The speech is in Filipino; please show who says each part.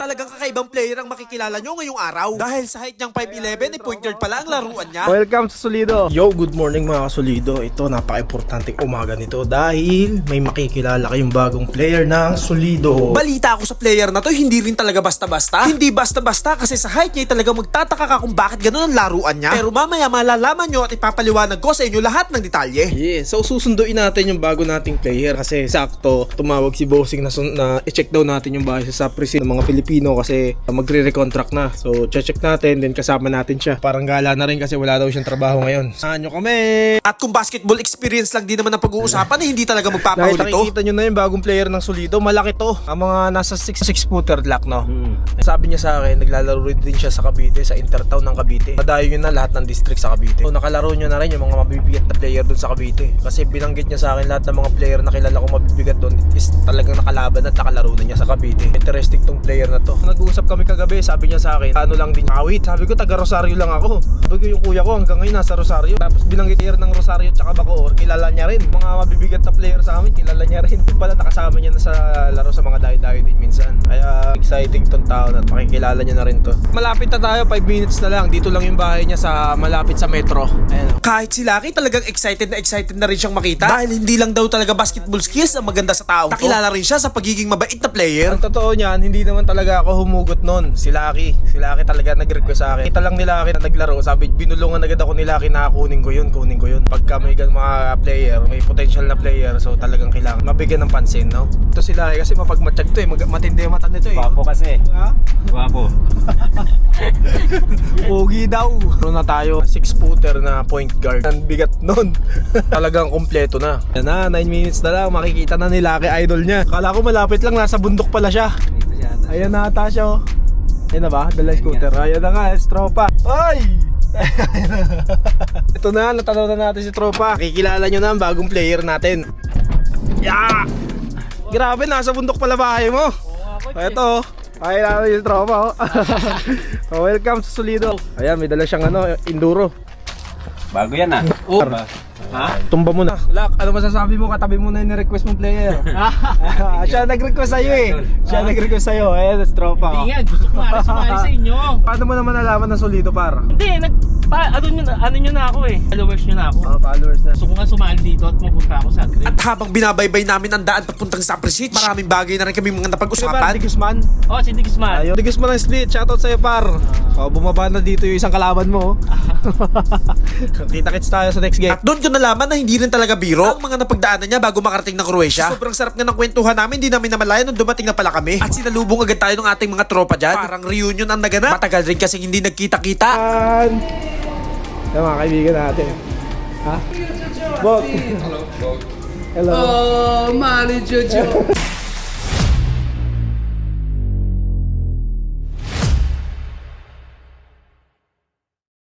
Speaker 1: Talagang kakaibang player ang makikilala nyo ngayong araw. Dahil sa height niyang 5'11", point guard pala ang laruan niya.
Speaker 2: Welcome sa Solido. Yo, good morning mga kasolido. Ito, napaka-importanting umaga nito dahil may makikilala kayong bagong player ng Solido.
Speaker 1: Balita ako sa player na to, hindi rin talaga basta-basta. Hindi basta-basta kasi sa height niya talaga magtataka ka kung bakit ganun ang laruan niya. Pero mamaya malalaman nyo at ipapaliwanag ko sa inyo lahat ng detalye.
Speaker 2: Yeah, so susunduin natin yung bago nating player kasi sakto tumawag si Bossing na i-check daw natin yung bahay sa Saprisi ng mga Pilipino kasi magre-recontract na. So check natin, then kasama natin siya. Parang gala na rin kasi wala daw siyang trabaho ngayon. Saan nyo kami?
Speaker 1: At kung basketball experience lang din naman ang pag-uusapan, hindi talaga magpapahuli to.
Speaker 2: Nakikita nyo na yung bagong player ng Solido. Malaki to. Ang mga nasa 6'6" lock, no? Sabi niya sa akin, naglalaro din siya sa Cavite, sa Intertown ng Cavite. Madayo yun na lahat ng district sa Cavite. So nakalaro nyo na rin yung mga mabibigat na player dun sa Cavite. Kasi binanggit niya sa akin lahat ng mga player na kilala kong mabibigat dun is talagang nakalaban at nakalaro na niya sa Cavite. Interesting tong player na to. Nag-uusap kami kagabi, sabi niya sa akin, ano lang din awit. Sabi ko, taga Rosario lang ako. Sabi ko, yung kuya ko hanggang ngayon nasa Rosario. Tapos binanggit player ng Rosario tsaka Bacoor, kilala niya rin. Mga mabibigat na player sa amin, kilala niya rin. Yung pala nakasama niya na sa laro sa mga dayo-dayo din minsan. Kaya exciting tong tao na makikilala niya na rin to. Malapit na tayo, 5 minutes na lang. Dito lang yung bahay niya sa malapit sa metro. Ayan.
Speaker 1: Kahit si Lucky talagang excited na rin siyang makita. Dahil hindi lang daw talaga basketball skills ang maganda sa tao. Nakilala rin siya sa pagiging mabait na player.
Speaker 2: Ang totoo niyan, hindi naman talaga ako humugot nun. Si Lucky talaga nag-request sa akin. Kita lang ni Lucky na naglaro. Sabi, binulungan agad ako ni Lucky na kunin ko yun. Pagka may mga player, may potential na player, so talagang kailangan mabigyan ng pansin, no? Ito si Lucky kasi mapagmatsyag to eh. Matindi yung mata nito eh.
Speaker 3: Guwapo kasi.
Speaker 2: Ha?
Speaker 3: Guwapo.
Speaker 2: Pogi daw. Meron na tayo 6-footer na point guard. Ang bigat nun. Talagang kompleto na. Yan na, 9 minutes na lang. Makikita na ni Lucky idol niya. Kala ko malapit lang, nasa bundok pala siya. Ayan na ata siya oh. Ayan na ba? Dala scooter. Ayan na nga, tropa. Ay! Ito na, natanaw na natin si tropa. Kikilala nyo na ang bagong player natin. Yeah! Grabe, nasa bundok pala bahay mo. Ito, ay namin yung tropa oh. So, welcome sa Solido. Ayan, may dala siyang enduro.
Speaker 3: Bago yan ah.
Speaker 2: Oh.
Speaker 3: Ha?
Speaker 2: Tumba mo na. Lak, ano masasabi mo? Katabi mo na yung request mong player. Siya nag-request sa'yo eh. Siya nag-request sa'yo. Ayan, that's tropa.
Speaker 4: Hindi nga, gusto ko nga sumali sa inyo.
Speaker 2: Paano mo naman nalaman na Solido, par?
Speaker 4: Hindi, ano nyo na ako eh. Followers nyo na ako.
Speaker 2: Followers na.
Speaker 4: Gusto ko nga sumali dito at pupunta ako sa Green.
Speaker 1: At habang binabaybay namin ang daan papuntang Saprisi, maraming bagay na rin kami mga napag-usapan.
Speaker 2: Di Guzman.
Speaker 4: Oh, si Di Guzman.
Speaker 2: Ayun. Di Guzman ang split. Shoutout sa'yo, par. Bumaba na dito yung isang kalaban mo. Kita-kits tayo sa next game.
Speaker 1: At doon ko nalaman na hindi rin talaga biro ang mga napagdaanan niya bago makarating ng Croatia. Sobrang sarap nga ng kwentuhan namin, hindi namin namalayan nung dumating na pala kami. At sinalubong agad tayo ng ating mga tropa dyan. Parang reunion ang naganap. Matagal rin kasi hindi nagkita-kita.
Speaker 2: Yung mga kaibigan natin. Ha? Bok. Hello.
Speaker 5: Oh, Mali Jojo.